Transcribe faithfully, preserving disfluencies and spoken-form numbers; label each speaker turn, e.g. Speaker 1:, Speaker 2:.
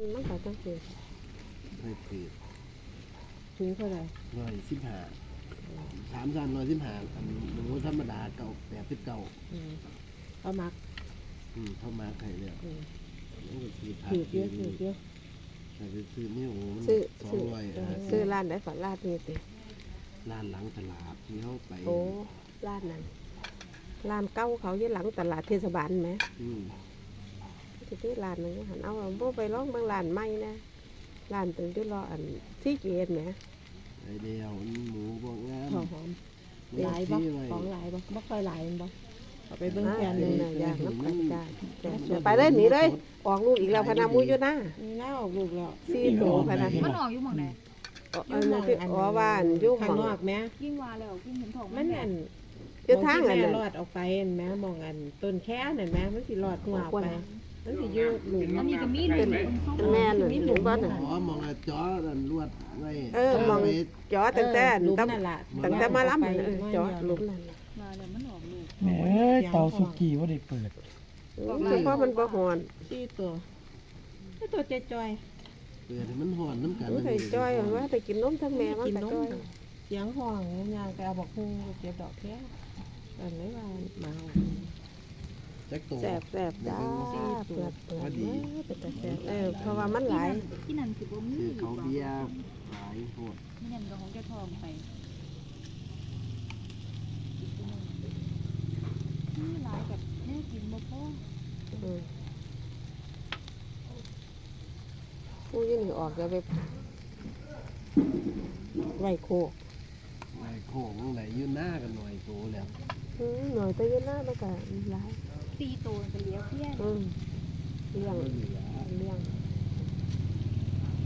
Speaker 1: มันมันก็จังซี่
Speaker 2: ไม่ผิด
Speaker 1: ถึงเท่าไหร่
Speaker 2: ร้อยสิบห้าสามสันร้อยสิบห้าอันหมูธรรมดาเก่าแปดสิบเก้า
Speaker 1: อืมเอามัก
Speaker 2: อืมเข้ามาไข่เนี่ย
Speaker 1: อืม
Speaker 2: แล้วก็ซื้อผัก
Speaker 1: ถือเยอะถือเยอะ
Speaker 2: แต่ไปซื้อนี่โอ้มัน
Speaker 1: ซื้อ
Speaker 2: สอง
Speaker 1: ซื้อ
Speaker 2: ร้อย
Speaker 1: เออซื้อร้านไหนฝันร้านนี้ติ
Speaker 2: ร้านหลังตลาดที่เขาไป
Speaker 1: โอ้ร้านนั้นร้านเก่าเขาอยู่หลังตลาดเทศบาลไหม
Speaker 2: อืม
Speaker 1: ที่ที่ร้านนึงหันเอาโบไปร้องบางร้านใหม่นะร้านตึงที่รออันซีเกตไหม
Speaker 2: ไอเดียวหมูบวกงาม
Speaker 1: หอมหอมหลายบ่ของหลายบ่บ่ค่อยหลายบ่เอาไปเบิ่งแกนเลยนะอยากน้ำกันได้ไปเลยหนีเลยออกลูกอีกแล้วพนามูอยู่นะนี่น่าออกลูกแล้วสี่ตัวพนา
Speaker 3: มันออกอยู่หม่องไหน
Speaker 1: อันนั้นคืออ๋อว่าอันอยู่ข้างนอกแม่
Speaker 3: ยิ่งว่าแล้วยิ่งเห็นทอง
Speaker 1: มันอันอยู่ทางอันนั้นรอดออกไปอันแม่มองอันต้นแค่นั่นแม่มันสิรอดหัวไปมันสิอยู่หลุม
Speaker 3: อันนี้ก็มีหลุม
Speaker 1: แม่น่ะหลุมบ่น่ะ
Speaker 2: อ๋อมองไอ้จอนั่นลวดไว้
Speaker 1: เออมองจอตั้งแต่
Speaker 3: หลุม
Speaker 1: ตั้ง
Speaker 3: นั่นล่ะ
Speaker 1: ตั้งแต่มาล้ำเออจอหลุมนั่น
Speaker 3: มาแล้วมันออกลูก
Speaker 4: แหมเตาสุกี้ว่าได้เปิด
Speaker 1: คือเพราะมันบ่ฮอน
Speaker 3: สี่ตัวนี่ตัวจอย
Speaker 2: เปิดให้มันห่อนน้ำกัน
Speaker 1: มันให้จ้อยว่าแต่กินนมทั้งแม่มันก็จ้อย
Speaker 3: เสียงห้องยางแต่เอาบอกฮูเก็บดอกแค่อันนี้ว่ามา
Speaker 2: แจ็คโต
Speaker 1: แสบแสบจ้าเปิดเปิดเป็นแต่แสบเออเพราะว่ามันหลาย
Speaker 3: ที่นั่นคือบ่มี
Speaker 2: คือเขาเบียร์หลายโหด
Speaker 3: ไม่นั่นก็ของเจ้าทองไปนี่หลายกับแม่กินบ่พอ
Speaker 1: ผู้ยืนออกจะไปไหวโคก
Speaker 2: ไอ้โค้งไหนยืนหน้ากันหน่อยโตแล้ว
Speaker 1: หน่อยแต่ยืนหน้าแล้วก็หลาย
Speaker 3: สี่ตัวไปเลี้ยวเพี้ยน
Speaker 1: เลี้ยง
Speaker 2: ก็เหลือ
Speaker 1: เลี้ยง